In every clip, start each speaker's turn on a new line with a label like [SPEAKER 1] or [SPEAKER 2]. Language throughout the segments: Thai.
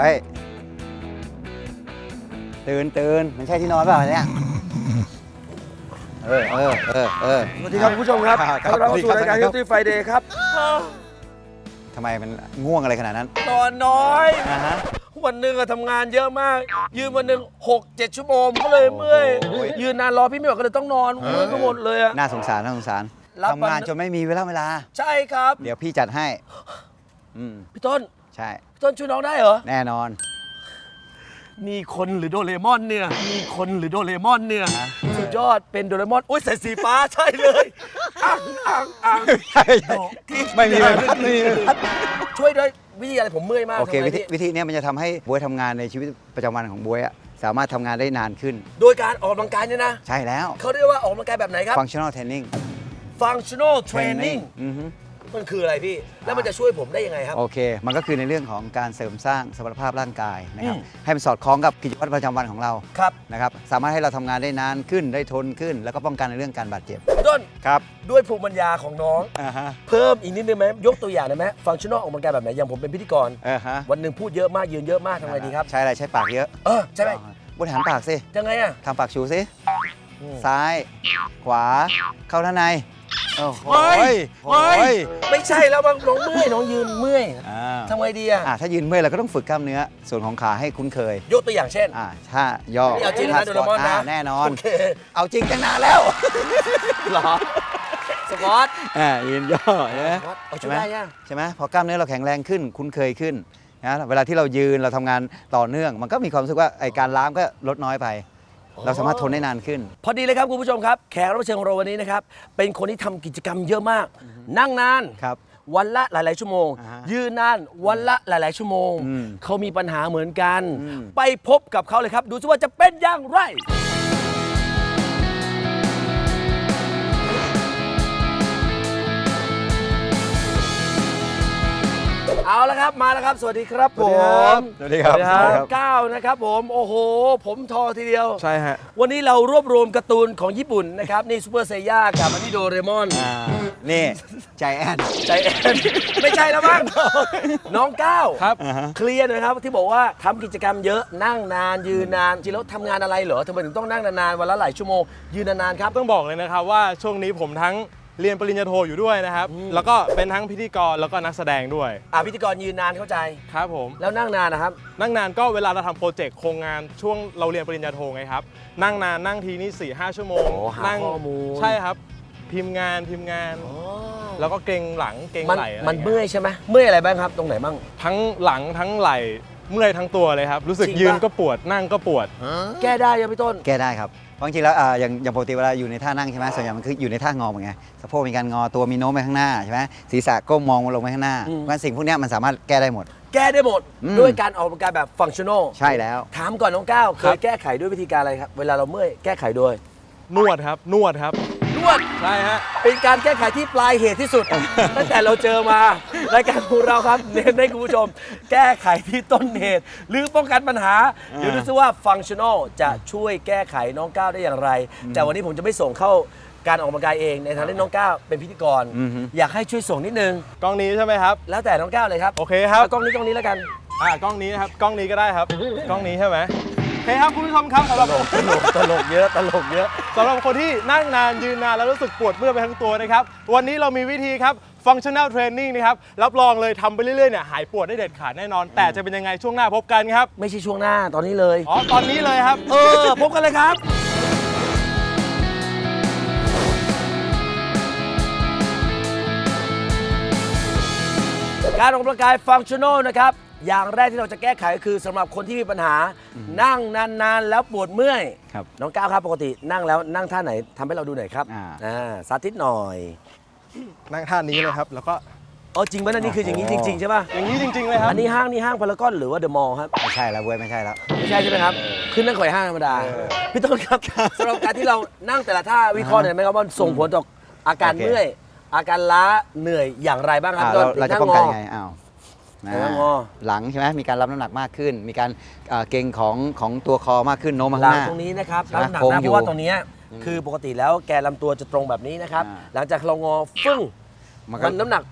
[SPEAKER 1] ฮ้ยตื่นมันใช่ที่นอนเปล่าเนี่ย
[SPEAKER 2] สวัสดีครับคุณผู้ชมครับต้อนรับเข้าสู่รายการ Healthy Friday ครับ
[SPEAKER 1] ทำไมมันง่วงอะไรขนาดนั้น
[SPEAKER 2] นอนน้อย
[SPEAKER 1] ฮะ
[SPEAKER 2] วันหนึ่งทำงานเยอะมาก ยืนวันหนึ่ง6-7 ชั่วโมงก็เลยเมื่อย ยืนนานรอพี่ไม่ไหวก็เลยต้องนอนเมื่อยก็หมดเลยอะ
[SPEAKER 1] น่าสงสารทำงานจนไม่มีเวลา
[SPEAKER 2] ใช่ครับ
[SPEAKER 1] เดี๋ยวพี่จัดให้
[SPEAKER 2] พี่ต้น
[SPEAKER 1] ใช่
[SPEAKER 2] พี่ต้นช่วยน้องได้เหรอ
[SPEAKER 1] แน่นอน
[SPEAKER 2] นี่คนหรือโดเรมอนเนี่ยสุดยอดเป็นโดเรมอนอุ้ยใส่สีฟ้าใช่เลยอ่าง
[SPEAKER 1] ไม่มี
[SPEAKER 2] ช่วยด้วยวิธีอะไรผมเมื่อยมาก
[SPEAKER 1] โอเค
[SPEAKER 2] ทำไง
[SPEAKER 1] วิธีเนี้ยมันจะทำให้บวยทำงานในชีวิตประจำวันของบวยอะสามารถทำงานได้นานขึ้น
[SPEAKER 2] โดยการออกกำลังกายเนี่ยนะ
[SPEAKER 1] ใช่แล้ว
[SPEAKER 2] เขาเรียกว่าออกกำลังกายแบบไหนครับ
[SPEAKER 1] functional training
[SPEAKER 2] functional training
[SPEAKER 1] อือฮึ
[SPEAKER 2] มันคืออะไรพี่ แล้วมันจะช่วยผมได้ยังไงครับ
[SPEAKER 1] โอเค มันก็คือในเรื่องของการเสริมสร้างสมรรถภาพร่างกายนะครับ
[SPEAKER 2] อืม
[SPEAKER 1] ให้มันสอดคล้องกับกิจวัตรประจำวันของเรา
[SPEAKER 2] ครับ
[SPEAKER 1] นะครับสามารถให้เราทำงานได้นานขึ้นได้ทนขึ้น แล้วก็ป้องกันในเรื่องการบาดเจ็บ
[SPEAKER 2] พี่ต้น
[SPEAKER 1] ครับ
[SPEAKER 2] ด้วยภูมิปัญญาของน้อง
[SPEAKER 1] ฮะ
[SPEAKER 2] เพิ่มอีกนิดนึงไหมยกตัวอย่างได้ไหม functional ออกกำลังกายแบบไหน อย่างผมเป็นพิธีกร
[SPEAKER 1] ฮะ
[SPEAKER 2] วันหนึ่งพูดเยอะมาก ยืนเยอะมากทำไงดีครับ
[SPEAKER 1] ใช้อะไรใช้ปากเยอะ
[SPEAKER 2] ใช่ไหม
[SPEAKER 1] บริหารปากสิ
[SPEAKER 2] ยังไงอ่ะ
[SPEAKER 1] ทำปากชูสิ
[SPEAKER 2] อืม
[SPEAKER 1] ซ้าย ขวาเข้าด้านในโอ้โห
[SPEAKER 2] เฮ้ย
[SPEAKER 1] โอ้ย
[SPEAKER 2] ไม่ใช่แล้วบางน้องเมื่อยน้องยืนเมื่อย
[SPEAKER 1] อ่า
[SPEAKER 2] ทำไงดีอ่ะ
[SPEAKER 1] ถ้ายืนเมื่อยเราก็ต้องฝึกกล้ามเนื้อส่วนของขาให้คุ้นเคย
[SPEAKER 2] ยกตัวอย่างเช่น
[SPEAKER 1] ถ้าย่อ
[SPEAKER 2] นี่เอาจริงนะ
[SPEAKER 1] ท่า
[SPEAKER 2] โดเรมอนนะ
[SPEAKER 1] แน่นอน
[SPEAKER 2] โอเค
[SPEAKER 1] เอาจริงตั้งนานแล้ว
[SPEAKER 2] เหรอสควอต
[SPEAKER 1] ยืนย่อใช่ไหม
[SPEAKER 2] เอาช่วยได้ยัง
[SPEAKER 1] ใช่ไหมพอกล้ามเนื้อเราแข็งแรงขึ้นคุ้นเคยขึ้นนะเวลาที่เรายืนเราทำงานต่อเนื่อง มันก็มีความรู้สึกว่าไอการล้ามก็ลดน้อยไป เราสามารถทนได้นานขึ้น
[SPEAKER 2] พอดีเลยครับคุณผู้ชมครับ แขกรับเชิญของเราวันนี้นะครับ เป็นคนที่ทำกิจกรรมเยอะมาก นั่งนาน
[SPEAKER 1] ครับ
[SPEAKER 2] วันละหลาย ๆ ชั่วโมง ยืนนานวันละหลาย ๆ ชั่วโมง เขามีปัญหาเหมือนกัน ไปพบกับเขาเลยครับ ดูซิว่าจะเป็นอย่างไร เอาละครับมาแล้วครับ สวัสดีครับผม
[SPEAKER 1] สวัสดีครับ
[SPEAKER 2] ก้าวนะครับผมโอ้โห ผมทอทีเดียว
[SPEAKER 3] ใช่ฮะ
[SPEAKER 2] วันนี้เรารวบรวมการ์ตูนของญี่ปุ่นนะครับ นี่ซูเปอร์เซย่ากับอันนี้โดเรมอน
[SPEAKER 1] นี่ใจแอน
[SPEAKER 2] ใจแอนไม่ใช่แล้วมั้งน้องก้าว
[SPEAKER 3] ครับ
[SPEAKER 2] เคลียร์หนะครับที่บอกว่าทำกิจกรรมเยอะนั่งนานยืนนานจริงแล้วทำงานอะไรเหรอทำไมถึงต้องนั่งนานๆวันละหลายชั่วโมงยืนนานๆครับ
[SPEAKER 3] ต้องบอกเลยนะครับว่าช่วงนี้ผมทั้งเรียนปริญญาโทอยู่ด้วยนะครับ แล้วก็เป็นทั้งพิธีกรแล้วก็นักแสดงด้วย
[SPEAKER 2] พิธีกรยืนนานเข้าใจ
[SPEAKER 3] ครับผม
[SPEAKER 2] แล้วนั่งนานนะครับ
[SPEAKER 3] นั่งนานก็เวลาเราทำโปรเจกต์โครงงานช่วงเราเรียนปริญญาโทไงครับ นั่งนานนั่งทีนี่4-5 ชั่วโมง
[SPEAKER 2] โอ้หา
[SPEAKER 3] นั่ง
[SPEAKER 2] ข้อมูล
[SPEAKER 3] ใช่ครับ พิมพ์งานแล้วก็เกรงหลังเกรง
[SPEAKER 2] มัน
[SPEAKER 3] ไหล่อะไร
[SPEAKER 2] มัน
[SPEAKER 3] งี้
[SPEAKER 2] เมื่อยใช่ไหมเมื่อยอะไรบ้างครับ ตรงไหนบ้าง
[SPEAKER 3] ทั้งหลังทั้งไหล่เมื่อยทั้งตัวเลยครับ รู้สึก
[SPEAKER 2] จริงปะ
[SPEAKER 3] ยืนก็ปวดนั่งก็ปวด
[SPEAKER 2] แก้ได้ยังพี่ต้น
[SPEAKER 1] แก้ได้ครับเพราะจริงๆแล้วอย่างปกติเวลาอยู่ในท่านั่งใช่ไหมส่วนใหญ่มันคืออยู่ในท่างอเหมือนไงสะโพกมีการงอตัวมีโน้มไปข้างหน้าใช่ไหมศีรษะก้มมองลงไปข้างหน้าเพราะฉะนั้นสิ่งพวกเนี้ยมันสามารถแก้ได้หมด
[SPEAKER 2] แก้ได้หมด
[SPEAKER 1] อืม
[SPEAKER 2] ด้วยการออกกำลังกายแบบฟังชั่นอล
[SPEAKER 1] ใช่แล้ว
[SPEAKER 2] ถามก่อนน้องก้าวเค
[SPEAKER 3] ครั
[SPEAKER 2] ย
[SPEAKER 3] บ
[SPEAKER 2] แก้ไขด้วยวิธีการอะไรครับ เวลาเราเมื่อยแก้ไขโดย
[SPEAKER 3] นวดครับนวดครับ
[SPEAKER 2] นวด
[SPEAKER 3] ใช่ฮะ
[SPEAKER 2] เป็นการแก้ไขที่ปลายเหตุที่สุด ตั้งแต่เราเจอมารายการของเราครับเน้นให้คุณผู้ชม แก้ไขที่ต้นเหตุ หรือป้องกันปัญหา เดี๋ยวดูซิว่าฟังชั่นอลจะช่วยแก้ไขน้องก้าวได้อย่างไร แต่วันนี้ผมจะไม่ส่งเข้าการออกกำลังกายเองในฐานะที่น้องก้าวเป็นพิธีกร อยากให้ช่วยส่งนิดนึง
[SPEAKER 3] กล้องนี้ใช่ไหมครับ
[SPEAKER 2] แล้วแต่น้องก้าวเลยครับ
[SPEAKER 3] โอเคครับ
[SPEAKER 2] เอากล้องนี้แล้วกัน
[SPEAKER 3] กล้องนี้นะครับกล้องนี้ก็ได้ครับ กล้องนี้ใช่ไหมโอเคครับคุณผู้ชมครับสำหรับ
[SPEAKER 2] ตลกเยอะ
[SPEAKER 3] สำหรับคนที่นั่งนานยืนนานแล้วรู้สึกปวดเมื่อยไปทั้งตัวนะครับวันนี้เรามีวิธีครับ functional training นะครับรับรองเลยทำไปเรื่อยๆเนี่ยหายปวดได้เด็ดขาดแน่นอน แต่จะเป็นยังไงช่วงหน้าพบกันครับ
[SPEAKER 2] ไม่ใช่ช่วงหน้าตอนนี้เลย
[SPEAKER 3] ตอนนี้เลยครับ
[SPEAKER 2] พบกันเลยครับ การออกกำลังกายฟังชั่นอลนะครับ อย่างแรกที่เราจะแก้ไขคือสำหรับคนที่มีปัญหา นั่งนานๆแล้วปวดเมื่อย
[SPEAKER 1] ครับ
[SPEAKER 2] น้องก้าวครับปกตินั่งแล้วนั่งท่าไหนทำให้เราดูหน่อยครับสาธิตหน่อย
[SPEAKER 3] นั่งท่านี้เลยครับแล้วก็
[SPEAKER 2] จริงไหมนี่คืออย่างนี้จริงๆใช่ป่ะ
[SPEAKER 3] อย่างนี้จริงๆเลยครับ
[SPEAKER 2] อันนี้ห้างพารากอนหรือว่าเดอะมอลล์ครับ
[SPEAKER 1] ไม่ใช่แล้วเว้ยไม่ใช่แล้ว
[SPEAKER 2] ไม่ใช่ใช่ไหมครับขึ้นนั่งข่อยห้างธรรมดาพี่ต้นครับสำหรับการที่เรานั่งแต่ละท่าวิเคราะห์หน่อยไหมครับว่าส่งผลต่ออาการ
[SPEAKER 1] โอเค
[SPEAKER 2] เมื่อยอาการล้าเหนื่อยอย่างไรบ้างครับ
[SPEAKER 1] เราจะป้องกันยังไงอ้าว
[SPEAKER 2] นั่งงอ
[SPEAKER 1] หลังใช่ไหมมีการรับน้ำหนักมากขึ้น มีการเกร็งของตัวคอมากขึ้นโน้มมา
[SPEAKER 2] หลั
[SPEAKER 1] ข้าง งหน้า
[SPEAKER 2] ตรงนี้นะครับ
[SPEAKER 1] ใช่ไหม
[SPEAKER 2] น้ำหนัก
[SPEAKER 1] โค้ง
[SPEAKER 2] นะ
[SPEAKER 1] อ
[SPEAKER 2] เพ
[SPEAKER 1] ยู่
[SPEAKER 2] ราะว่าตรงนี้คือปกติแล้วแกนลำตัวจะตรงแบบนี้นะครับ
[SPEAKER 1] อ่า
[SPEAKER 2] หลังจากเรางอฟึ่ง
[SPEAKER 1] มันก็
[SPEAKER 2] มันน้ำหนัก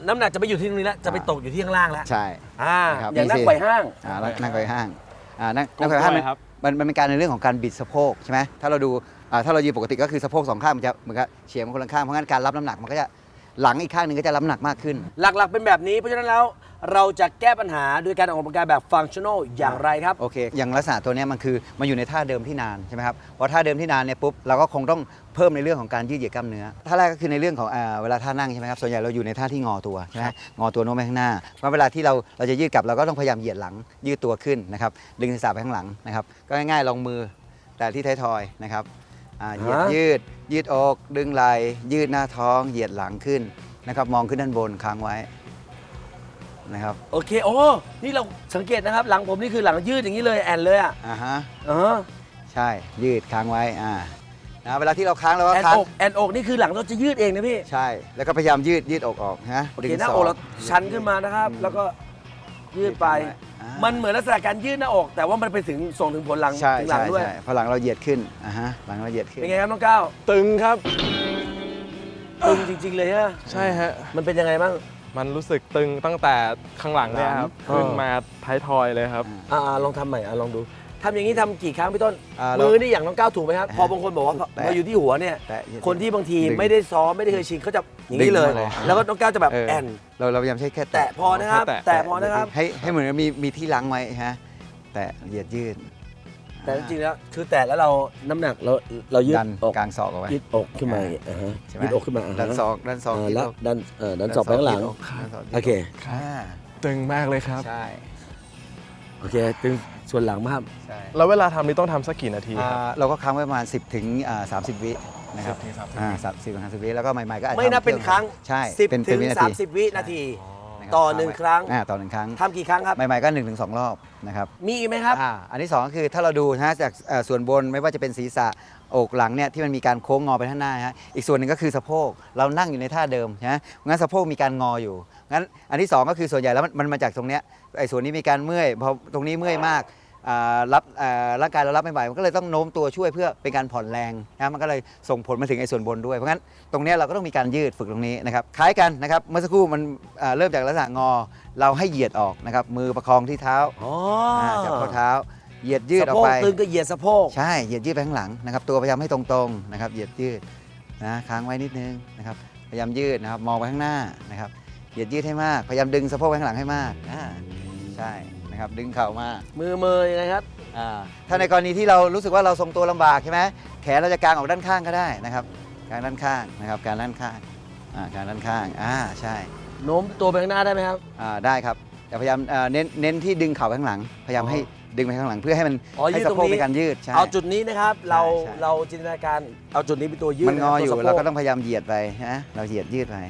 [SPEAKER 2] น้ำหนักจะไปอยู่ที่ตรงนี้แล้วจะไปตกอยู่ที่ข้างล่างแล้ว
[SPEAKER 1] ใช่ นะครับ
[SPEAKER 2] อย่างนั่ง
[SPEAKER 1] นี่สิ
[SPEAKER 2] ไขว่ห้าง
[SPEAKER 1] นั่งไขว่ห้างนั่งไขว่ห้าง
[SPEAKER 3] ครับ
[SPEAKER 1] มันเป็นการในเรื่องของการบิดสะโพกใช่ไหมถ้าเราดูถ้าเรายืนปกติก็คือสะโพกสองข้างมันจะเหมือนกับเฉียงคนละข้างเพราะงั้นการรับน้ำหนักมันก็จะหลังอีกข้างหนึ่งก็จะรับน้ำหนักมากขึ้น
[SPEAKER 2] หลักๆเป็นแบบนี้เพราะฉะนั้นแล้วเราจะแก้ปัญหาโดยการออกกำลังกายแบบฟังชั่นอลอย่างไรครับ
[SPEAKER 1] โอเค อย่างลักษณะตัวเนี้ยมันคือมันอยู่ในท่าเดิมที่นานใช่ไหมครับพอท่าเดิมที่นานเนี่ยปุ๊บเราก็คงต้องเพิ่มในเรื่องของการยืดเหยียดกล้ามเนื้อท่าแรกก็คือในเรื่องของเวลาท่านั่งใช่ไหมครับส่วนใหญ่เราอยู่ในท่าที่งอตัวใช่ไหมงอตัวโน้มไปข้างหน้าเพราะเวลาที่เราจะยืดกลับเราก็ต้องพยายามเหยียดหลังยืดตัวขึ้นนะครับดึงศีรษะไปข้างหลังนะครับก็ง่ายๆลองมือแต่ที่ท้ายทอยนะครับเหยียดยืดอกดึงไหล่ยืดหน้าท้องเหยียดหลังขึ้นนะครับมองขึ้นด้านบนค้างไว้นะครับ
[SPEAKER 2] โอเคโอ้นี่เราสังเกตนะครับหลังผมนี่คือหลังยืดอย่างนี้เลยแอนเลยอ่ะ
[SPEAKER 1] ฮะ
[SPEAKER 2] เออ
[SPEAKER 1] ใช่ยืดค้างไว้นะเวลาที่เราค้างเราก็
[SPEAKER 2] แอน
[SPEAKER 1] ค้าง
[SPEAKER 2] อกแอนอกนี่คือหลังเราจะยืดเองนะพี่
[SPEAKER 1] ใช่แล้วก็พยายามยืดอกออกนะ
[SPEAKER 2] โอเคหน้าอกเราชันขึ้นมานะครับ แล้วก็ยืดไป มันเหมือนลักษณะการยืดหน้าอก แต่ว่ามันไปถึงส่งถึงผลหลัง
[SPEAKER 1] ใช่
[SPEAKER 2] ถึงหลังด้วย
[SPEAKER 1] ใช่พอหลังเราเหยียดขึ้นหลังเราเหยียดขึ้น
[SPEAKER 2] เป็นไงครับน้องก้าว
[SPEAKER 3] ตึงครับ
[SPEAKER 2] ตึงจริง ๆ เลยฮะ
[SPEAKER 3] ใช่ฮะ
[SPEAKER 2] มันเป็นยังไงบ้าง
[SPEAKER 3] มันรู้สึกตึงตั้งแต่ข้างหลังเนี่ยครับ
[SPEAKER 2] อ๋อ
[SPEAKER 3] ขึ้นมาท้ายทอยเลยครับ
[SPEAKER 2] ลองทำใหม่ลองดูทำอย่างนี้ทำกี่ครั้งพี่ต้น
[SPEAKER 1] เรา
[SPEAKER 2] มือนี่อย่างน้องก้าวถูกไหมครับ พอบางคนบอกว่า
[SPEAKER 1] แตะ
[SPEAKER 2] พออยู่ที่หัวเนี่ย
[SPEAKER 1] แตะเหยียด
[SPEAKER 2] คนที่บางที
[SPEAKER 1] ดึง
[SPEAKER 2] ไม่ได้ซ้อมไม่ได้เคยชินเขาจะอย่างนี้เลย
[SPEAKER 1] ดึงมาเลย
[SPEAKER 2] แล้วก็น้องก้าวจะแบบแอน
[SPEAKER 1] เราพยายามใช้แค่
[SPEAKER 2] แตะพอนะครับ
[SPEAKER 3] แตะ
[SPEAKER 2] แตะพอนะครับ
[SPEAKER 1] ให้เหมือนกับมีที่ล้างไว้ฮะแต่เหยียดยืด
[SPEAKER 2] แต่จริงๆแล้วคือแตะแล้วเราน้ำหนักเรายืด
[SPEAKER 1] ดัน
[SPEAKER 2] อก
[SPEAKER 1] กลางศอกเอาไว้
[SPEAKER 2] ยืดอกขึ้นมา
[SPEAKER 1] ใช่ไหม
[SPEAKER 2] ยืดอกขึ้นมา
[SPEAKER 1] ดันศอก
[SPEAKER 2] แล้วดันศอกไปข้างหลัง
[SPEAKER 1] ดันศอก
[SPEAKER 2] โอเค
[SPEAKER 3] ตึงมากเลยครับ
[SPEAKER 1] ใช่
[SPEAKER 2] โอเคตึงส่วนหลังมาก
[SPEAKER 1] ใช่
[SPEAKER 3] แล้วเวลาทำนี่ต้องทำสักกี่นาทีครับ
[SPEAKER 1] เราก็ค้างไว้ประมาณ10 ถึง 30 วินะครับ
[SPEAKER 3] 10ถึง30
[SPEAKER 1] 30 ถึง 30 วิแล้วก็ใหม่ๆก็อาจจะ
[SPEAKER 2] ไม่นับเป็นครั้ง
[SPEAKER 1] ใช่
[SPEAKER 2] 10
[SPEAKER 1] เป็น
[SPEAKER 2] ถึง
[SPEAKER 1] วินาที
[SPEAKER 2] 30 วินาที
[SPEAKER 1] นะครับ
[SPEAKER 2] ต่อ1ครั้ง
[SPEAKER 1] ต่อ1ครั้ง
[SPEAKER 2] ทำกี่ครั้งครับ
[SPEAKER 1] ใหม่ๆก็ 1-2 รอบนะครับ
[SPEAKER 2] มีอีกไหมครับ
[SPEAKER 1] อันที่ 2 ก็คือถ้าเราดูนะจากส่วนบนไม่ว่าจะเป็นศีรษะอกหลังเนี่ยที่มันมีการโค้งงอไปข้างหน้าฮะอีกส่วนหนึ่งก็คือสะโพกเรานั่งอยู่ในท่าเดิมนะงั้นสะโพกมีการงออยู่งั้นอันที่ 2 ก็คือส่วนใหญ่แล้วมันมาจากตรงเนี้ยไอ้ส่วนนี้มีการเมื่อยพอตรงนี้เมื่อยมากรับร่างกายเรารับไม่ไหวมันก็เลยต้องโน้มตัวช่วยเพื่อเป็นการผ่อนแรงนะมันก็เลยส่งผลมาถึงไอ้ส่วนบนด้วยเพราะงั้นตรงเนี้ยเราก็ต้องมีการยืดฝึกตรงนี้นะครับคล้ายกันนะครับเมื่อสักครู่มันเริ่มจากลักษณะงอเราให้เหยียดออกนะครับมือประคองที่เท้า จับข้อเท้าเหยียดยืดออกไป
[SPEAKER 2] สะโพกตึงก็เหยียดสะโพก
[SPEAKER 1] ใช่เหยียดยืดไปข้างหลังนะครับตัวพยายามให้ตรงๆนะครับเหยียดยืดนะค้างไว้นิดนึงนะครับพยายามยืดนะครับมองไปข้างหน้านะครับเหยียดยืดให้มากพยายามดึงสะโพกไปข้างหลังให้มากใช่นะครับดึงเข่ามา
[SPEAKER 2] มือยังไงครับ
[SPEAKER 1] ถ้าในกรณีที่เรารู้สึกว่าเราทรงตัวลำบากใช่ไหมแขนเราจะกางออกด้านข้างก็ได้นะครับกางด้านข้างนะครับกางด้านข้างกางด้านข้างใช่
[SPEAKER 2] โน้มตัวไปข้างหน้าได้ไหมครับ
[SPEAKER 1] ได้ครับแต่พยายามเน้นที่ดึงเข่าไปข้างหลัง พยายามให้ดึงไปข้างหลังเพื่อให้มัน
[SPEAKER 2] ยื
[SPEAKER 1] ให้
[SPEAKER 2] ด
[SPEAKER 1] สะ
[SPEAKER 2] ตรง
[SPEAKER 1] โพก
[SPEAKER 2] นี้
[SPEAKER 1] เป็นการยืดใช่
[SPEAKER 2] เอาจุดนี้นะครับ
[SPEAKER 1] ใช่
[SPEAKER 2] เราจินตนาการเอาจุดนี้เป็นตัวยืด
[SPEAKER 1] มันงออยู่
[SPEAKER 2] ตัวสะโพ
[SPEAKER 1] เราก็ต้องพยายามเหยียดไปนะเราเหยียดยืดไป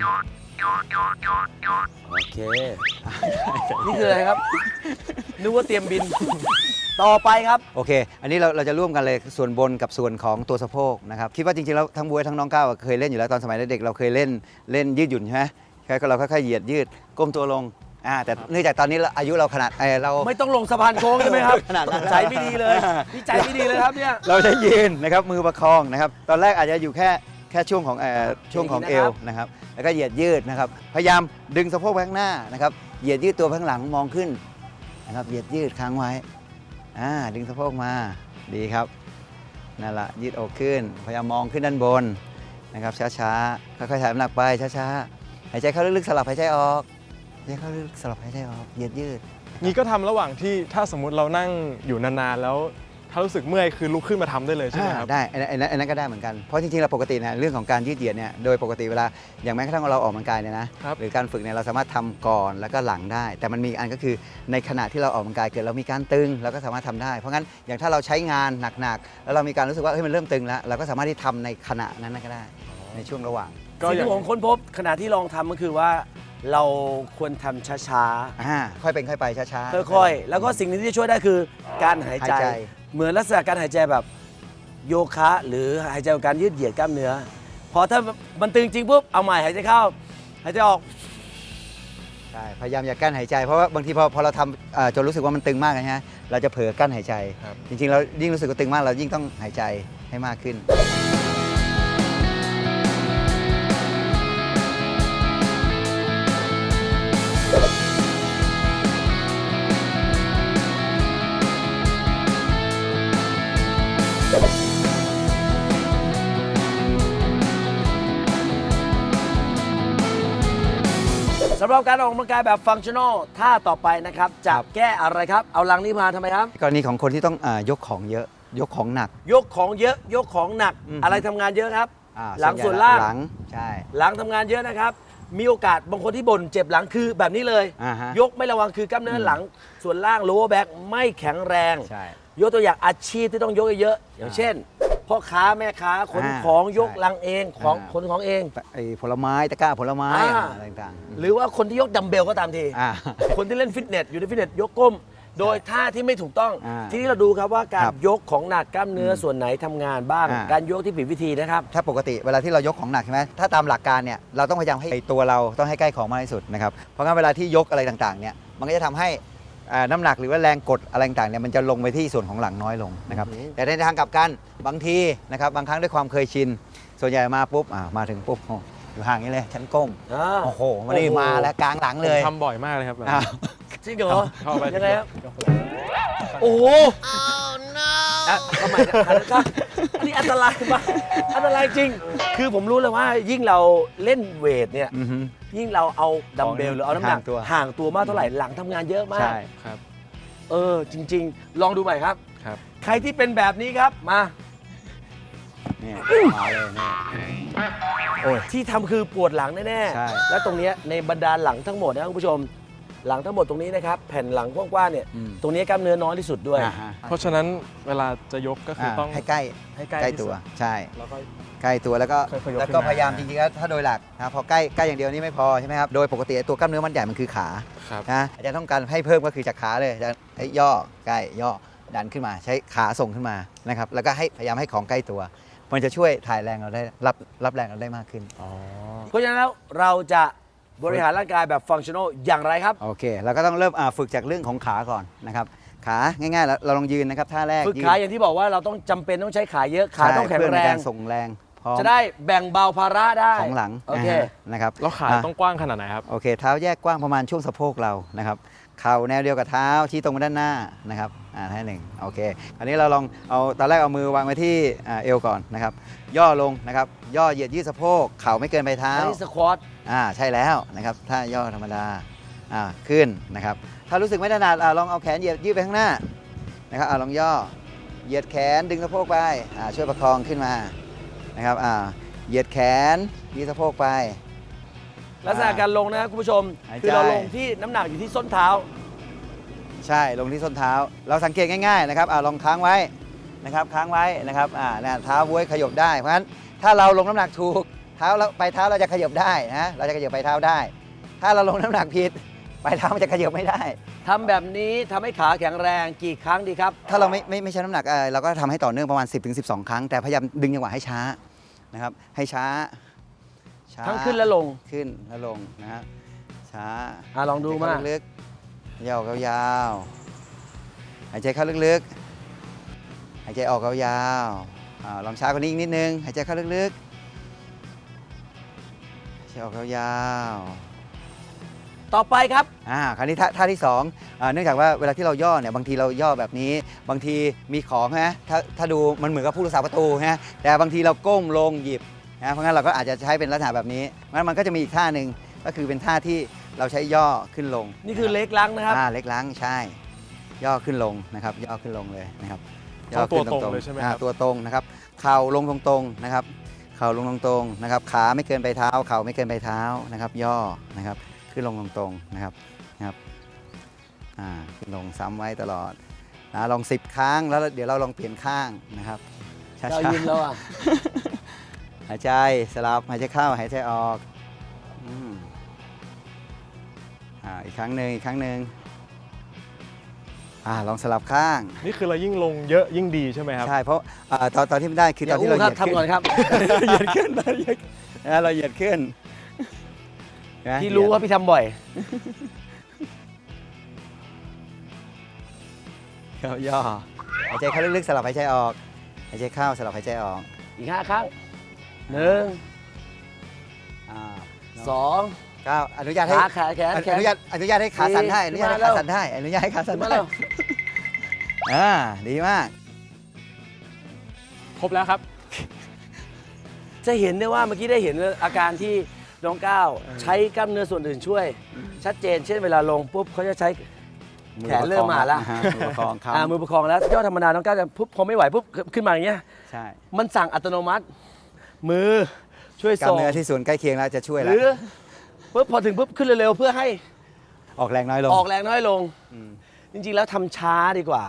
[SPEAKER 2] โอเค นี่คืออะไรครับ นึกว่าเตรียมบิน ต่อไปครับ
[SPEAKER 1] โอเค อันนี้เราจะร่วมกันเลยส่วนบนกับส่วนของตัวสะโพกนะครับคิดว่าจริงๆแล้วทั้งบวยทั้งน้องก้าวเคยเล่นอยู่แล้วตอนสมัยเด็กๆเราเคยเล่นยืดหยุ่นใช่ไหมเราค่อยๆเหยียดยืดก้มตัวลงแต่เนื่องจากตอนนี้อายุเราขนาดเรา
[SPEAKER 2] ไม่ต้องลงสะพานโค้งใช่ไหมครับ
[SPEAKER 1] ขนาดนั้น
[SPEAKER 2] ใจไม่ดีเลยนี่ใจไม่ดีเลยครับเนี่ย
[SPEAKER 1] เราจะยืนนะครับมือประคองนะครับตอนแรกอาจจะอยู่แค่ช่วงของเอวนะครับแล้วก็เหยียดยืดนะครับพยายามดึงสะโพกไปข้างหน้านะครับเหยียดยืดตัวไปข้างหลังมองขึ้นนะครับเหยียดยืดค้างไว้ดึงสะโพกมาดีครับนั่นแหละยืดอกขึ้นพยายามมองขึ้นด้านบนนะครับช้าๆค่อยๆถ่ายน้ำหนักไปช้าๆหายใจเข้าลึกๆสลับหายใจออกหายใจเข้าลึกๆสลับหายใจออกเหยียดยืด
[SPEAKER 3] นี่ก็ทำระหว่างที่ถ้าสมมุติเรานั่งอยู่นานๆแล้วถ้ารู้สึกเมื่อยคือลุกขึ้นมาทำได้เลยใช่ไหมครับ
[SPEAKER 1] ได้อันนั้นก็ได้เหมือนกันเพราะจริงๆเราปกติเนี่ยเรื่องของการยืดเหยียดเนี่ยโดยปกติเวลาอย่างแม้กระทั่งเราออกกำลังกายเนี่ยนะครับ หรือการฝึกเนี่ยเราสามารถทำก่อนแล้วก็หลังได้ แต่มันมีอันก็คือในขณะที่เราออกกำลังกายเกิดเรามีการตึงเราก็สามารถทำได้เพราะงั้นอย่างถ้าเราใช้งานหนักๆแล้วเรามีการรู้สึกว่าเฮ้ยมันเริ่มตึงแล้วเราก็สามารถที่ทำในขณะนั้นก็ได้ในช่วงระหว่าง
[SPEAKER 2] สิ่งที่ผมค้นพบขณะที่ลองทำก็คือว่า เราควรทำช้า
[SPEAKER 1] ค่อยเป็นค่อยไปช้า
[SPEAKER 2] ๆค่อยๆแล้วก็สิ่งหนึงที่จะช่วยได้คือการหายใจ
[SPEAKER 1] หายใจ
[SPEAKER 2] เหมือนลักษณะการหายใจแบบโยคะหรือหายใจของการยืดเหยียดกล้ามเนื้อพอถ้ามันตึงจริงปุ๊บเอาใหม่หายใจเข้าหายใจออก
[SPEAKER 1] ใช่พยายามอย่ากั้นหายใจเพราะว่าบางทีพอเราทำจนรู้สึกว่ามันตึงมากนะฮะเราจะเผลอกั้นหายใจ
[SPEAKER 3] ครับ
[SPEAKER 1] จริงๆเรายิ่งรู้สึกว่าตึงมากเรายิ่งต้องหายใจให้มากขึ้น
[SPEAKER 2] โำหรับการออกกำลังกายแบบฟังชั่นอลท่าต่อไปนะครับจะแก้อะไรครับ เอาลังนี้มาทำไมครับ
[SPEAKER 1] กรณีของคนที่ต้องยกของเยอะ ยกของหนัก
[SPEAKER 2] ยกของเยอะยกของหนัก
[SPEAKER 1] อืม
[SPEAKER 2] อะไรทำงานเยอะครับ
[SPEAKER 1] อ่า
[SPEAKER 2] หลัง
[SPEAKER 1] ใญ่
[SPEAKER 2] ส่วนล่าง
[SPEAKER 1] หลังใช่
[SPEAKER 2] หลังทำงานเยอะนะครับ มีโอกาสบางคนที่บ่นเจ็บหลังคือแบบนี้เลย
[SPEAKER 1] อ่าฮะ
[SPEAKER 2] ยกไม่ระวังคือกล้ามเนื้อหลังส่วนล่าง lower back ไม่แข็งแรง
[SPEAKER 1] ใช่
[SPEAKER 2] ยกตัวอย่างอาชีพที่ต้องยกเยอะๆอย่างเช่นพ่อค้าแม่ค้าขน
[SPEAKER 1] อ่า
[SPEAKER 2] ของยก
[SPEAKER 1] ใช่
[SPEAKER 2] ลังเองของ
[SPEAKER 1] อ่า
[SPEAKER 2] ขนของเอง
[SPEAKER 1] ไอ้ผลไม้ตะกร้าผลไม้
[SPEAKER 2] อ่า
[SPEAKER 1] อะไรต่างๆ
[SPEAKER 2] หรือว่าคนที่ยกดัมเบลก็ตามที
[SPEAKER 1] อ่า
[SPEAKER 2] คนที่เล่นฟิตเนสอยู่ในฟิตเนสยกก้ม โดยท่าที่ไม่ถูกต้อง
[SPEAKER 1] อ่า
[SPEAKER 2] ทีนี้เราดูครับว่าการ
[SPEAKER 1] ครับ
[SPEAKER 2] ยกของหนักกล้ามเนื้อส่วนไหนทำงานบ้าง
[SPEAKER 1] อ่า
[SPEAKER 2] การยกที่ผิดวิธีนะครับ
[SPEAKER 1] ถ้าปกติเวลาที่เรายกของหนักใช่ไหมถ้าตามหลักการเนี่ยเราต้องพยายามให้ตัวเราต้องให้ใกล้ของมากที่สุดนะครับเพราะงั้นเวลาที่ยกอะไรต่างๆเนี่ยมันก็จะทำให้น้ำหนักหรือว่าแรงกดอะไรต่างๆเนี่ยมันจะลงไปที่ส่วนของหลังน้อยลงนะครับ
[SPEAKER 2] อือหือ
[SPEAKER 1] แต่ในทางกลับกันบางทีนะครับบางครั้งด้วยความเคยชิน ส่วนใหญ่มาปุ๊บมาถึงปุ๊บโอ้อยู่ห่างนี้เลยฉันก้ม
[SPEAKER 2] อ่า
[SPEAKER 1] โอ้โหมานี่มาแล้วกลางหลังเลย
[SPEAKER 3] ผมทำบ่อยมากเลยครับแบบ
[SPEAKER 1] อ้าว
[SPEAKER 2] จริงเหรอ
[SPEAKER 3] เข้าไป
[SPEAKER 2] ยังไงครับ
[SPEAKER 3] ยก
[SPEAKER 2] โอ้โหทำไมครับอันนี้อันตรายมากอันตรายจริง คือผมรู้เลยว่ายิ่งเราเล่นเวทเนี่ย
[SPEAKER 1] อือฮึ
[SPEAKER 2] ยิ่งเราเอาดัมเบลหรือเอาน้ำหนัก
[SPEAKER 1] ห่างตัว
[SPEAKER 2] ห่างตัวมากเท่าไหร่หลังทำงานเยอะมาก
[SPEAKER 1] ใช่
[SPEAKER 3] ครับ
[SPEAKER 2] จริง ๆ ลองดูใหม่ครับ
[SPEAKER 3] ครับ
[SPEAKER 2] ใครที่เป็นแบบนี้ครับมา
[SPEAKER 1] เนี่ยมาเลยเนี่ย
[SPEAKER 2] โอ้ยที่ทำคือปวดหลังแน่
[SPEAKER 1] ใช่
[SPEAKER 2] ๆ และตรงเนี้ยในบรรดาหลังทั้งหมดนะคุณผู้ชม หลังทั้งหมดตรงนี้นะครับแผ่นหลังกว้างๆเนี่ย
[SPEAKER 1] อืม
[SPEAKER 2] ตรงนี้กล้ามเนื้อน้อยที่สุดด้วย
[SPEAKER 1] อ่าฮะ
[SPEAKER 3] เพราะฉะนั้นเวลาจะยกก็คือต้อง
[SPEAKER 1] ให้ใกล้
[SPEAKER 3] ให้ใกล้
[SPEAKER 1] ใกล้
[SPEAKER 3] ที่
[SPEAKER 1] ตั
[SPEAKER 3] สุ
[SPEAKER 1] ว
[SPEAKER 3] ด
[SPEAKER 1] ใช่
[SPEAKER 3] แล้วก็
[SPEAKER 1] ใกล้ตัวแล้วก็
[SPEAKER 3] ค่อยๆยก
[SPEAKER 1] แล้ว
[SPEAKER 3] ขึ้
[SPEAKER 1] ก็
[SPEAKER 3] นมา
[SPEAKER 1] พยายามจริงๆแล้วถ้าโดยหลักนะพอใกล้อย่างเดียวนี่ไม่พอใช่ไหมครับโดยปกติตัวกล้ามเนื้อมันใหญ่มันคือขา
[SPEAKER 3] ครับ
[SPEAKER 1] นะอาจารย์ต้องการให้เพิ่มก็คือจากขาเลยจะให้ย่อใกล้ย่อดันขึ้นมาใช้ขาส่งขึ้นมานะครับแล้วก็ให้พยายามให้ของใกล้ตัว มันจะช่วยถ่ายแรงเราได้รับแรงเราได้มากขึ้น
[SPEAKER 3] อ๋อ
[SPEAKER 2] เพราะฉะนั้นแล้วเราจะบริหารร่างกายแบบฟังชั่นอลอย่างไรครับ
[SPEAKER 1] โอเคเราก็ต้องเริ่มฝึกจากเรื่องของขาก่อนนะครับขาง่ายๆเราลองยืนนะครับท่าแรก
[SPEAKER 2] ฝึก
[SPEAKER 1] ยืน
[SPEAKER 2] ขาอย่างที่บอกว่าเราต้องจำเป็นต้องใช้ขาเยอะขาต้องแข็ง
[SPEAKER 1] ใช่เพื่
[SPEAKER 2] แร
[SPEAKER 1] ในกาง ส่งแรงพร้อม
[SPEAKER 2] จะได้แบ่งเบาภาระได้
[SPEAKER 1] ของหลัง
[SPEAKER 2] โอเค
[SPEAKER 1] นะครับ
[SPEAKER 3] แล้วขาต้องกว้างขนาดไหนครับ
[SPEAKER 1] โอเคเท้าแยกกว้างประมาณช่วงสะโพกเรานะครับเข่าแนวเดียวกับเท้าชี้ตรงไปด้านหน้านะครับท่าหนึ่งโอเคคราวนี้เราลองเอาตอนแรกเอามือวางไว้ที่เอวก่อนนะครับย่อลงนะครับย่อเหยียดยืดสะโพกเข่าไม่เกินปลายเท้า
[SPEAKER 2] อันนี้สควอต
[SPEAKER 1] ใช่แล้วนะครับถ้าย่อธรรมดาขึ้นนะครับถ้ารู้สึกไม่ถนัดลองเอาแขนเหยียดยืดไปข้างหน้านะครับลองย่อเหยียดแขนดึงสะโพกไปช่วยประคองขึ้นมานะครับเหยียดแขนยืดสะโพกไป
[SPEAKER 2] ลักษณะการลงนะครับคุณผู้ชม
[SPEAKER 1] หายใจ
[SPEAKER 2] คือเราลงที่น้ำหนักอยู่ที่ส้นเท้า
[SPEAKER 1] ใช่ลงที่ส้นเท้า เราสังเกตง่ายๆนะครับลองค้างไว้นะครับค้างไว้นะครับเท้าบ้วยขยบได้เพราะฉะนั้นถ้าเราลงน้ำหนักถูกเท้าเราไปเท้าเราจะขยบได้นะเราจะขยบไปเท้าได้ ถ้าเราลงน้ำหนักผิดไปเท้ามันจะขยบไม่ได้
[SPEAKER 2] ทำแบบนี้ทำให้ขาแข็งแรงกี่ครั้งดีครับ
[SPEAKER 1] ถ้าเราไม่ใช้น้ำหนักเราก็ทำให้ต่อเนื่องประมาณ 10-12 ครั้งแต่พยายามดึงจังหวะให้ช้านะครับให้ช้า
[SPEAKER 2] ทั้งขึ้นและลง
[SPEAKER 1] ขึ้นและลงนะฮะช้า
[SPEAKER 2] ลองดูมา
[SPEAKER 1] หายใจเข้ลึกๆยาวๆยาวๆหายใจเข้าลึกๆหายใจออกยาวๆลองช้ากว่านี้อีกนิดนึงหายใจเข้าลึกๆหายใจออกยาวๆ
[SPEAKER 2] ต่อไปครับ
[SPEAKER 1] คราวนี้ท่าที่สองเนื่องจากว่าเวลาที่เราย่อเนี่ยบางทีเราย่อแบบนี้บางทีมีของนะถ้าดูมันเหมือนกับผู้รักษาประตูนะแต่บางทีเราก้มลงหยิบนะเพราะงั้นเราก็อาจจะใช้เป็นลักษณะแบบนี้งั้นมันก็จะมีอีกท่าหนึ่งก็คือเป็นท่าที่เราใช้ย่อขึ้นลง
[SPEAKER 2] นี่คือเล็กล้างนะครับ
[SPEAKER 1] เล็กล้างใช่ ย่อขึ้นลงนะครับย่อขึ้นลงเลยนะครับ
[SPEAKER 3] ต้องตัวตรงเลยใช่ไหมครับ
[SPEAKER 1] ตัวตรงนะครับเข่าลงตรงๆนะครับเข่าลงตรงๆนะครับขาไม่เกินไปเท้าเข่าไม่เกินไปเท้านะครับย่อนะครับขึ้นลงตรงๆนะครับขึ้นลงซ้ำไว้ตลอดลอง10 ครั้งแล้วเดี๋ยวเราลองเปลี่ยนข้างนะครับช้า
[SPEAKER 2] เรายืนแล้วอ่ะ
[SPEAKER 1] ๆหายใจสลับหายใจเข้าหายใจออกอีกครั้งหนึ่งลองสลับข้าง
[SPEAKER 3] นี่คือเรายิ่งลงเยอะยิ่งดีใช่ไหมครับ
[SPEAKER 1] ใช่เพราะตอนที่ไม่ได้คือตอนที่เราเหยียด
[SPEAKER 2] ทำก่อนครับ
[SPEAKER 1] เหยียดขึ้นเราเหยียดขึ้นนะ
[SPEAKER 2] ที่รู้ว่าพี่ทำบ่อย
[SPEAKER 1] เขาย่อหายใจเข้าลึกๆสลับหายใจออกหายใจเข้าสลับหายใจออก
[SPEAKER 2] อีก5 ครั้ง 1 2
[SPEAKER 1] ก้าวอนุญาตให้
[SPEAKER 2] ขาแขน
[SPEAKER 1] อนุญาตให้ขาสั่นได้อ
[SPEAKER 2] ขึ้
[SPEAKER 1] นุ
[SPEAKER 2] น
[SPEAKER 1] ญาต
[SPEAKER 2] มา
[SPEAKER 1] ให้ขาสั่นได้อนุญาตให้ขาสั่น
[SPEAKER 2] มา
[SPEAKER 1] ได้
[SPEAKER 2] เร็ว
[SPEAKER 1] ดีมาก
[SPEAKER 3] ครบแล้วครับ
[SPEAKER 2] จะเห็นได้ว่าเมื่อกี้ได้เห็นอาการที่น้องก้าวใช้กล้ามเนื้อส่วนอื่นช่วย ชัดเจน เช่นเวลาลงปุ๊บเขาจะใช้แขนเริ่มมาแล้ว
[SPEAKER 1] มือประคองครับ
[SPEAKER 2] มือประคองแล้วยอดธรรมดาน้องก้าวจะปุ๊บพอไม่ไหวปุ๊บขึ้นมาอย่างเงี้ย
[SPEAKER 1] ใช่
[SPEAKER 2] มันสั่งอัตโนมัติ มือช่วย
[SPEAKER 1] กล้าม
[SPEAKER 2] ส่ง
[SPEAKER 1] เนื้อที่ส่วนใกล้เคียงแล้วจะช่วย
[SPEAKER 2] ห
[SPEAKER 1] แล้ว
[SPEAKER 2] รือปุ๊บพอถึงปุ๊บขึ้นเร็วๆเพื่อให้
[SPEAKER 1] ออกแรงน้อยลง
[SPEAKER 2] ออกแรงน้อยลง จริงๆแล้วทำช้าดีกว่า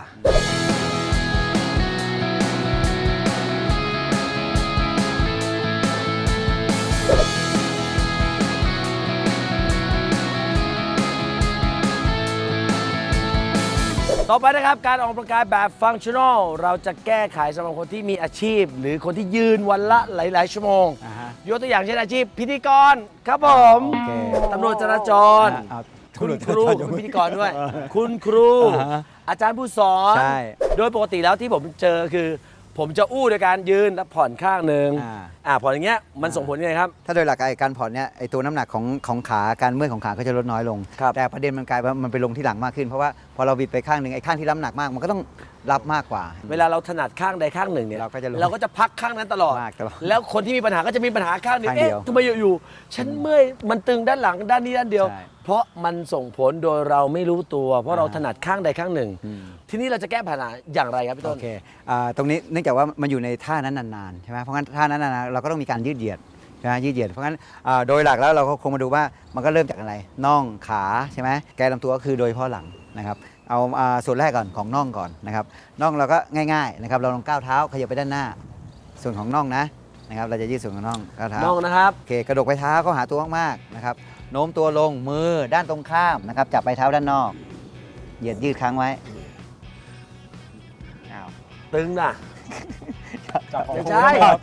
[SPEAKER 2] ต่อไปนะครับการออกกำลังกายแบบฟังชั่นอลเราจะแก้ไขสำหรับคนที่มีอาชีพ หรือคนที่ยืนวันละหลายๆชั่วโมง
[SPEAKER 1] อ่าฮะ
[SPEAKER 2] ยกตัวอย่างเช่นอาชีพพิธีกรครับผม
[SPEAKER 1] โอเค
[SPEAKER 2] ตำรวจจราจร
[SPEAKER 1] เอา
[SPEAKER 2] คุณครูเป็นพิธีกรด้วย คุณครู
[SPEAKER 1] อ่าฮะ
[SPEAKER 2] อาจารย์ผู้สอน
[SPEAKER 1] ใช่
[SPEAKER 2] โดยปกติแล้วที่ผมเจอคือ ผมจะอู้โดยการยืนแล้วผ่อนข้างหนึ่งผ่อนอย่างเงี้ยมันส่งผลยังไงครับ
[SPEAKER 1] ถ้าโดยหลักการผ่อนเนี่ยไอตัวน้ำหนักของขาการเมื่อยของขาก็จะลดน้อยลง
[SPEAKER 2] ครับ
[SPEAKER 1] แต่ประเด็นมันกลายว่ามันไปลงที่หลังมากขึ้น เพราะว่าพอเราบิดไปข้างหนึ่งไอ้ข้างที่รับหนักมากมันก็ต้องรับมากกว่า
[SPEAKER 2] เวลาเราถนัดข้างใดข้างหนึ่งเนี่ย
[SPEAKER 1] เราก็จะรู้
[SPEAKER 2] เราก็จะพักข้างนั้นตลอด
[SPEAKER 1] มากตลอด
[SPEAKER 2] แล้วคนที่มีปัญหาก็จะมีปัญหาข้างเดียว
[SPEAKER 1] ข้างเดียว
[SPEAKER 2] ทำไมอยู่ๆฉันเมื่อยมันตึงด้านหลังด้านนี้ด้านเดียว
[SPEAKER 1] ใช่
[SPEAKER 2] เพราะมันส่งผลโดยเราไม่รู้ตัว เพราะเราถนัดข้างใดข้างหนึ่ง ทีนี้เราจะแก้ปัญหาอย่างไรครับพี่
[SPEAKER 1] โอ
[SPEAKER 2] ต้น
[SPEAKER 1] เคตรงนี้เนื่องจากว่ามันอยู่ในท่านั้นนานๆใช่ไหมเพราะงั้นท่านั้นนานๆเราก็ต้องมีการยืดเหยียดใช่ไหมยืดเหยียดเพราะงั้นโดยหลักแล้วเราก็คงมาดูว่ามันก็เริ่มจากอะไรน่องขาใช่ไหมแกนลำตัวก็คือโดยเฉพาะหลังนะครับเอาส่วนแรกก่อนของน่องก่อนนะครับน่องเราก็ง่ายๆนะครับเราลองก้าวเท้าขยับไปด้านหน้า ส่วนของน่องนะครับเราจะยืดส่วนของน่องก้าวเท้า
[SPEAKER 2] น้องนะครับ
[SPEAKER 1] โอเคกระดกไปเท้าเข้าหาตัวมากๆนะครับโน้มตัวลงมือด้านตรงข้ามนะครับจับไปเท้าด้านนอกเหยียดยืดค้างไว้อ้าว
[SPEAKER 2] ตึงน่ะ
[SPEAKER 3] จับของ
[SPEAKER 2] ไม่
[SPEAKER 3] คุณ
[SPEAKER 2] ใช่
[SPEAKER 3] ครับ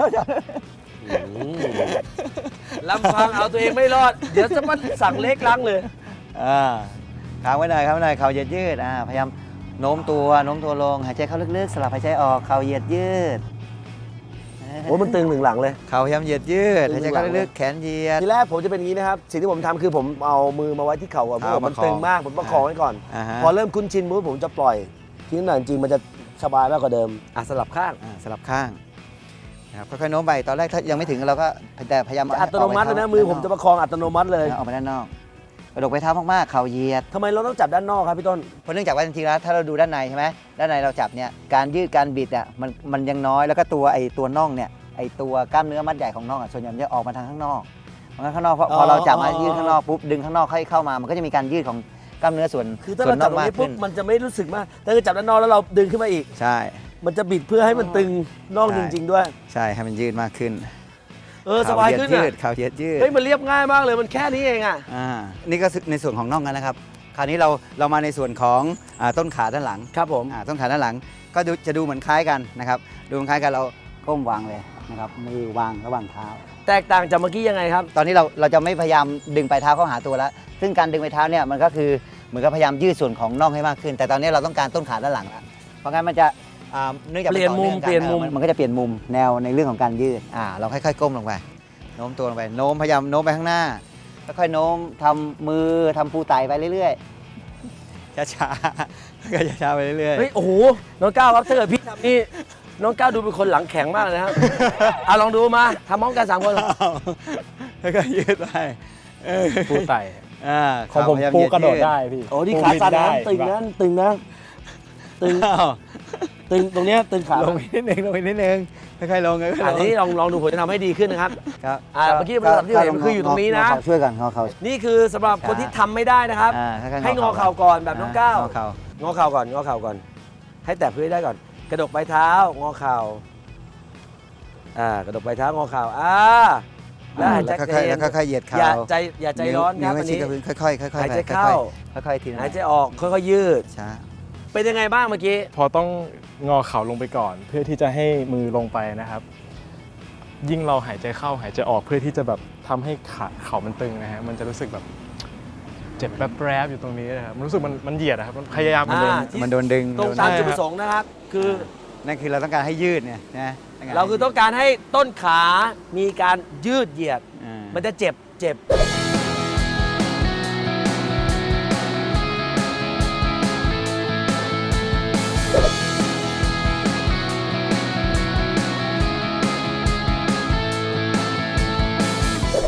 [SPEAKER 2] ลำพังเอาตัวเองไม่รอด เดี๋ยวจะมาสั่งเล็กล้างเลย
[SPEAKER 1] ค้างไว้หน่อยครับไว้หน่อยเข่าเหยียดยืดพยายามโน้มตัวลงหายใจเข้าลึกๆสลับหายใจออกเข่าเหยียดยืด
[SPEAKER 2] โอ้มันตึงหนึ่งหลังเลย
[SPEAKER 1] เข่าพยายามเหยียดยืด
[SPEAKER 2] ตึง
[SPEAKER 1] หายใจเข้าลึกๆแขนเหยียด
[SPEAKER 2] ทีแรกผมจะเป็นอย่างนี้นะครับ สิ่งที่ผมทำคือผมเอามือมาไว้ที่เข่าก่อนเพราะว่ามัน
[SPEAKER 1] ประคอง
[SPEAKER 2] ตึงมากผมประคองไว้ก่อน
[SPEAKER 1] อ่าฮะ
[SPEAKER 2] พอเริ่มคุ้นชินปุ๊บผมจะปล่อยทีนี้หน่อยจริงๆมันจะสบายมากกว่าเดิมสลับข้าง
[SPEAKER 1] สลับข้างนะครับค่อยๆโน้มไปตอนแรกถ้ายังไม่ถึงเราก็แต่พยายาม
[SPEAKER 2] อัตโนมัติเลยนะมือผมจะประคองอัตโนมัติเลย
[SPEAKER 1] ออกไปด้านนอกกระดกไปเท้ามากๆเข่าเหยียด
[SPEAKER 2] ทำไมเราต้องจับด้านนอกครับพี่ต้น
[SPEAKER 1] เพราะเนื่องจากว่าจริงๆแล้วถ้าเราดูด้านในใช่ไหมด้านในเราจับเนี่ยการยืดการบิดอ่ะมันยังน้อยแล้วก็ตัวน่องเนี่ยไอตัวกล้ามเนื้อมัดใหญ่ของน่องอ่ะส่วนใหญ่มันจะออกมาทางข้างนอกมันข้างนอกพอเราจับมายืดข้างนอกปุ๊บดึงข้างนอกให้เข้ามามันก็จะมีการยืดของกล้ามเนื้อส่วน
[SPEAKER 2] คือถ้า
[SPEAKER 1] ส่ว
[SPEAKER 2] เรา
[SPEAKER 1] นน
[SPEAKER 2] จั
[SPEAKER 1] อบ ก
[SPEAKER 2] ตรง
[SPEAKER 1] มาก
[SPEAKER 2] นี้ปุ๊
[SPEAKER 1] ขึ้
[SPEAKER 2] บ
[SPEAKER 1] น
[SPEAKER 2] มันจะไม่รู้สึกมากแต่ถ้าจับด้านนอกแล้วเราดึงขึ้นมาอีก
[SPEAKER 1] ใช่
[SPEAKER 2] มันจะบิดเพื่อให้มันตึงน่อง
[SPEAKER 1] ใช่
[SPEAKER 2] จริง ๆ ด้วย
[SPEAKER 1] ใช่ให้มันยืดมากขึ้น
[SPEAKER 2] สบายขึ้น
[SPEAKER 1] เข่
[SPEAKER 2] อ่ะ
[SPEAKER 1] เหดยืดเข่าเหยียดยืด
[SPEAKER 2] เฮ้ยมันเรียบง่ายมากเลยมันแค่นี้เองอ่ะ
[SPEAKER 1] นี่ก็ในส่วนของน่องกันนะครับคราวนี้เรามาในส่วนของต้นขาด้านหลัง
[SPEAKER 2] ครับผม
[SPEAKER 1] ต้นขาด้านหลังก็จะดูเหมือนคล้ายกันนะครับดูเหมือนคล้ายกันเราก้มวางเลยนะครับมือวางระหว่างเท้า
[SPEAKER 2] แตกต่างจากเมื่อกี้ยังไงครับ
[SPEAKER 1] ตอนนี้เราจะไม่พยายามดึงปลายเท้าเข้าหาตัวแล้ว ซึ่งการดึงปลายเท้าเนี่ยมันก็คือเหมือนกับพยายามยืดส่วนของน่องให้มากขึ้น แต่ตอนนี้เราต้องการต้นขาด้านหลังแล้วเพราะงั้นมันจะเนื่องจาก
[SPEAKER 2] เปลี่ยนมุม
[SPEAKER 1] ต่อองกั
[SPEAKER 2] เปลี่ยนมุม
[SPEAKER 1] มันก็จะเปลี่ยนมุมแนวในเรื่องของการยืดเราค่อยๆก้มลงไปโน้มตัวลงไปโน้มพยายามโน้มไปข้างหน้าค่อยๆโน้มทำมือทำปูไตไปเรื่อยๆช้าๆก็ช้าๆไปเรื่อยๆ
[SPEAKER 2] เฮ้ยโอ้โหน้องก้าวครับถ้าเกิดพี่ทำนี่น้องก้าวดูเป็นคนหลังแข็งมากเลยนะครับ ลองดูมาทำพร้อมกัน3 คน
[SPEAKER 1] แล้วก็ยืดไป
[SPEAKER 3] ปูไต่ ของผม
[SPEAKER 1] พยายา
[SPEAKER 3] ปู
[SPEAKER 1] ยื
[SPEAKER 3] กระโดด
[SPEAKER 1] ยื
[SPEAKER 3] ได้พี่
[SPEAKER 2] โอ้นี่ขาสั่นนะ
[SPEAKER 3] ปู
[SPEAKER 2] ตึง
[SPEAKER 3] บิ
[SPEAKER 2] นะ
[SPEAKER 3] ได้
[SPEAKER 2] ตึงนะตึง
[SPEAKER 1] อ้าว
[SPEAKER 2] ตึงตรงเนี้ยตึงขา
[SPEAKER 1] ลงอีกนิดนึงลงอีกนิดนึงค่อยๆลงค่อยๆล
[SPEAKER 2] อัน
[SPEAKER 1] ง
[SPEAKER 2] นี้ลองดูผมจะทำให้ดีขึ้นนะครับ
[SPEAKER 1] ครับ
[SPEAKER 2] เมื่อกี้ระดับที่เห็นคืออยู่ตรงนี้นะ
[SPEAKER 1] งอเข่าช่วยกันงอเข่า
[SPEAKER 2] นี่คือสำหรับคนที่ทำไม่ได้นะครับ
[SPEAKER 1] ค่อยๆ
[SPEAKER 2] ให้งอเข่าก่อนแบบน้องก้าว
[SPEAKER 1] งอเข่าง
[SPEAKER 2] อเข่าก่อนงอเข่าก่อน ให้แตะพื้นได้ก่อน กระดกปลายเท้างอเข่ากระดกปลายเท้างอเข่าแล้วหายใจ
[SPEAKER 1] แล้วค่อยๆแล้วค่อยๆเหยียดเข่า
[SPEAKER 2] อย่าใจร้อนครับ
[SPEAKER 1] ว
[SPEAKER 2] อัน
[SPEAKER 1] ชี้
[SPEAKER 2] นี้
[SPEAKER 1] กับพื้นค่อยๆค่อยๆ
[SPEAKER 2] หายใจ
[SPEAKER 1] ไป
[SPEAKER 2] เข้า
[SPEAKER 1] ค่อยๆทีละ
[SPEAKER 2] หายใจออกค่อยๆยืด
[SPEAKER 1] ช้า
[SPEAKER 2] เป็นยังไงบ้างเมื่อกี้
[SPEAKER 3] พอต้องงอเข่าลงไปก่อน เพื่อที่จะให้มือลงไปนะครับ ยิ่งเราหายใจเข้าหายใจออกเพื่อที่จะแบบทำให้เข่ามันตึงนะฮะมันจะรู้สึกแบบเจ็บแป๊บๆอยู่ตรงนี้นะครับมันรู้สึกมันเหยียดนะครับมันพยายาม
[SPEAKER 1] มันโดนดึง
[SPEAKER 2] ตรง
[SPEAKER 1] โดน
[SPEAKER 2] ตาม
[SPEAKER 3] ใช่
[SPEAKER 2] จุดประสงค์นะครับ คือ
[SPEAKER 1] นั่นคือเราต้องการให้ยืดเนี่ยนะ
[SPEAKER 2] เราคือต้องการให้ต้นขามีการยืดเหยียด มันจะเจ็บ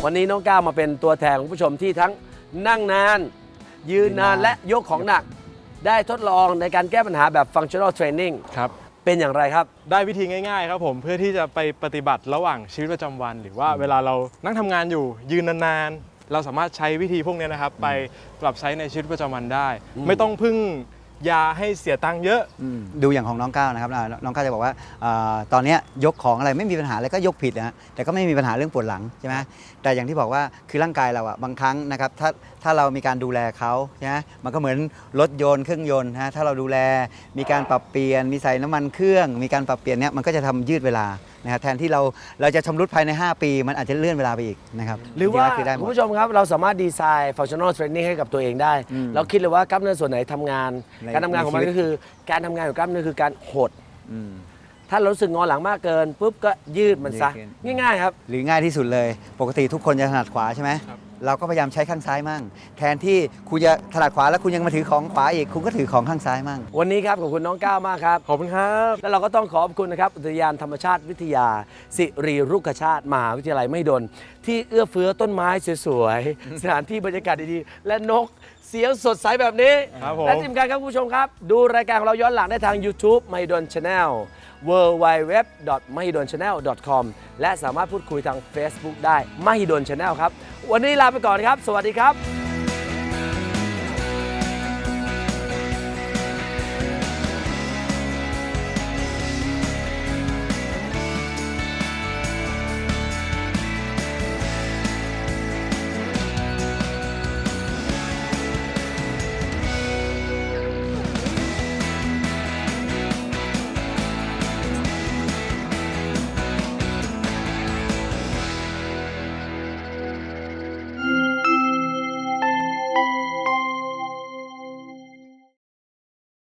[SPEAKER 2] วันนี้น้องก้าวมาเป็นตัวแทนของผู้ชมที่ทั้งนั่งนาน ยืนนานและยกของหนัก ได้ทดลองในการแก้ปัญหาแบบ functional training
[SPEAKER 3] ครับ
[SPEAKER 2] เป็นอย่างไรครับ
[SPEAKER 3] ได้วิธีง่ายๆครับผมเพื่อที่จะไปปฏิบัติระหว่างชีวิตประจำวัน หรือว่าเวลาเรานั่งทำงานอยู่ยืนนานๆเราสามารถใช้วิธีพวกนี้นะครับไปปรับใช้ในชีวิตประจำวันได้ ไม่ต้องพึ่งยาให้เสียตังค์เยอะ
[SPEAKER 1] ดูอย่างของน้องก้าวนะครับน้องก้าวจะบอกว่าตอนเนี้ยยกของอะไรไม่มีปัญหาอะไรก็ยกผิดนะฮะแต่ก็ไม่มีปัญหาเรื่องปวดหลังใช่ไหมแต่อย่างที่บอกว่าคือร่างกายเราอะบางครั้งนะครับถ้าเรามีการดูแลเขาใช่ไหมมันก็เหมือนรถยนต์เครื่องยนต์นะถ้าเราดูแลมีการปรับเปลี่ยนมีใส่น้ำมันเครื่องมีการปรับเปลี่ยนเนี้ยมันก็จะทำยืดเวลานะครับแทนที่เราจะชำรุดภายใน 5 ปี มันอาจจะเลื่อนเวลาไปอีกนะครับ
[SPEAKER 2] หรือว่า
[SPEAKER 1] จงๆแล้คือได้หม
[SPEAKER 2] คุณ
[SPEAKER 1] ด
[SPEAKER 2] ผู้ชมครับเราสามารถดีไซน์ functional training ให้กับตัวเองได้ เราคิดเลยว่ากล้ามเนื้อส่วนไหนทำงาน
[SPEAKER 1] ใน
[SPEAKER 2] การทำงานของมัน
[SPEAKER 1] ในชีวิต
[SPEAKER 2] ก็คือการทำงานของกล้ามเนื้อคือการหด
[SPEAKER 1] อืม
[SPEAKER 2] ถ้าเรารู้สึกงอหลังมากเกินปุ๊บก็ยืดมันซะ
[SPEAKER 1] ยืดขึ้น
[SPEAKER 2] ง่ายๆครับ
[SPEAKER 1] หรือง่ายที่สุดเลย ปกติทุกคนจะถนัดขวาใช่ไหม
[SPEAKER 3] ครับ
[SPEAKER 1] เราก็พยายามใช้ข้างซ้ายมั่ง แทนที่คุณจะถนัดขวาแล้วคุณยังมาถือของขวาอีก คุณก็ถือของข้างซ้ายมั่ง
[SPEAKER 2] วันนี้ครับขอบคุณน้องก้าวมากครับ
[SPEAKER 3] ขอบคุณครับ
[SPEAKER 2] แล้วเราก็ต้องขอบคุณนะครับอุทยานธรรมชาติวิทยา สิริรุกขชาติมหาวิทยาลัยมหิดลที่เอื้อเฟื้อต้นไม้สวยๆ สถานที่บรรยากาศดีๆ และนกเสียงสดใสแบบนี้
[SPEAKER 3] ครับผม
[SPEAKER 2] และที่สำคัญครับคุณผู้ชมครับ ดูรายการของเราย้อนหลังได้ทาง YouTube มหิดล Channel www.mahidolchannel.com และสามารถพูดคุยทาง Facebook ได้มหิดล Channel ครับ วันนี้ลาไปก่อนครับ สวัสดีครับ